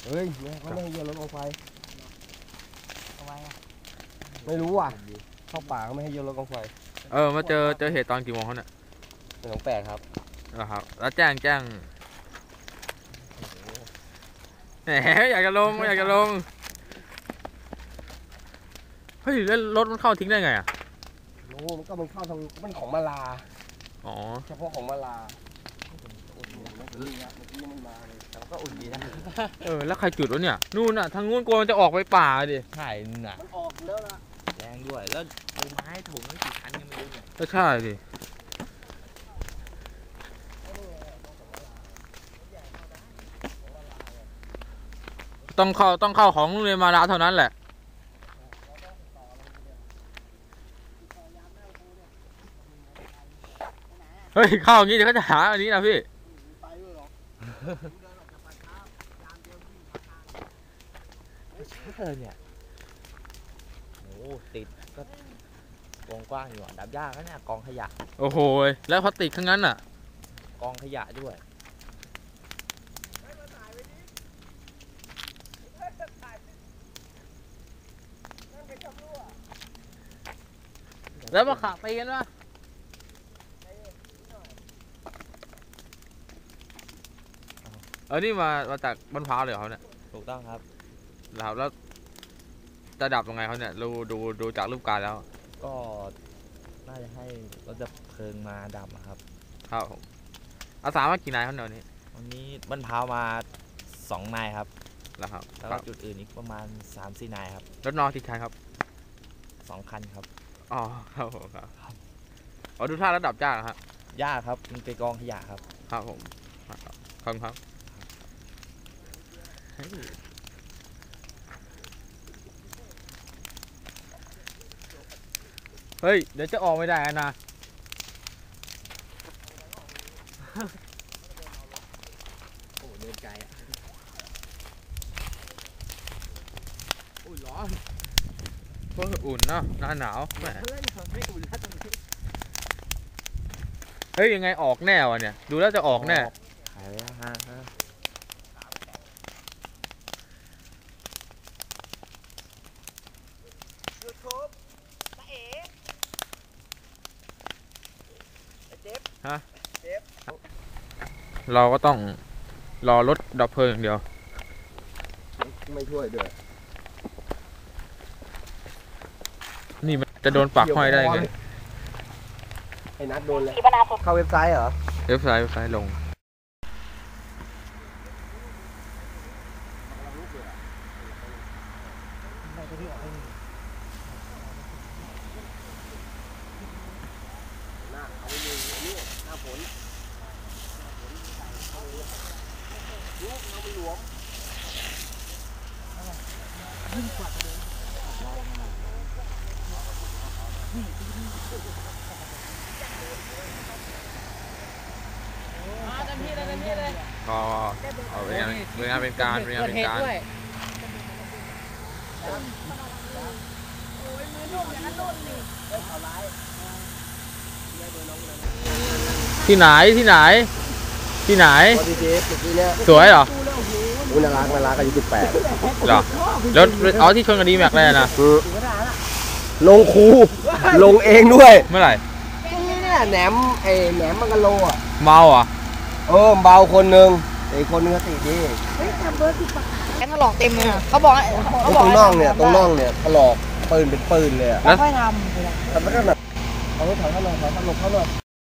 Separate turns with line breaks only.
เฮ้ยเขาไม่ให้โยนรถกองไฟ
ทำไมอ่ะ
ไม่รู้อ่ะเข้าป่าเขาไม่ให้โยนรถกองไฟ
มาเจอเหตุตอนกี่โมงเขาเนี่ย
1:08ครับ
ครับแล้วแจ้งแหมอยากจะลงเฮ้ยแล้วรถมันเข้าทิ้งได้ไงอ่ะ
โอ้มันเข้าทางมันของมาลา
อ๋อ
เฉพาะของมาลาก็อุ่นดีนะ
แล้วใครจุดวะเนี่ยนู่นน่ะทางนู้นกลัวมันจะออกไปป่าดิ
ใช่น่ะ
มันออกแล้วล่ะ
แรงด้วยแล้วเอาไม้ถุงไม่กี่ชั้นยังไม่รู้เลย
ก็ใช่ดิต้องเข้าของโรงเรียนมาลาเท่านั้นแหละเฮ้ยเข้าอย่างนี้เดี๋ยวเขาจะหาอันนี้นะพี่
เนี่ยโอ้ติดก็กว้างอยู่ดับยากนะเนี่ยกองขยะ
โอ้โหแล้วพลาสติกทั้งนั้นอ่ะ
กองขยะด้วย
แล้วมาขาตีกันวะนี่มาจากบ้านพร้าวเลยเขาเนี่ย
ถูกต้องครับ
แล้วจะดับยังไงเขาเนี่ยดูจากรูปการแล้ว
ก็น่าจะให้รถดับเพลิงมาดับครับ
ครับผมอาสามากี่นายเขาเนี่ย
วันนี้บ้านพร้าวมา2 นายครับ
แล้วครับ
แล้วก็จุดอื่นอีกประมาณ 3-4 นายครับ
รถนอที่ใช้ครับ
2 คันครับ
อ๋อครับผมครับดูท่าระดับยากครับ
ยากครับมันเป็นกองขยะครับ
ครับผมครับเฮ้ยเดี๋ยวจะออกไม่ได้นะ
โอ้เดินไกลอ่ะ
โอ้ยร้อนเพิ่งอุ่นเนาะหน้าหนาวแหมเฮ้ยยังไงออกแน่วะเนี่ยดูแล้วจะออกแน่
หายแล้วฮะ
เราก็ต้องรอรถดับเพลิงอย่างเดียว
ไม่ช่วยเดือด
นี่มันจะโดนปักห้อยได้ไง
ไอ้นัดโดนเลยเข้าเว็บไซต์เหรอ
เว็บไซต์ลงก็เอาเป็นงานเป็นการที่ไหนสวยเหรอ
น่ารักอายุ18
เหรอแล้วที่ชนกันดีแม็กเลยนะ
ลงคูลงเองด้วย
เมื่อไหร่
เนี่ยแหนมมังกรโลอ่ะ
เมาอ่ะ
เบาคนนึงอีกคนนึงก็ติดดี
แกถลอกเต็มเลยเขาบอก
ตรงน่องเนี่ยถลอกปืนเป็นปืนเลย
แล้วค่อยทำ
แต่มันก็แบบเอาถอยเข้าหน่อย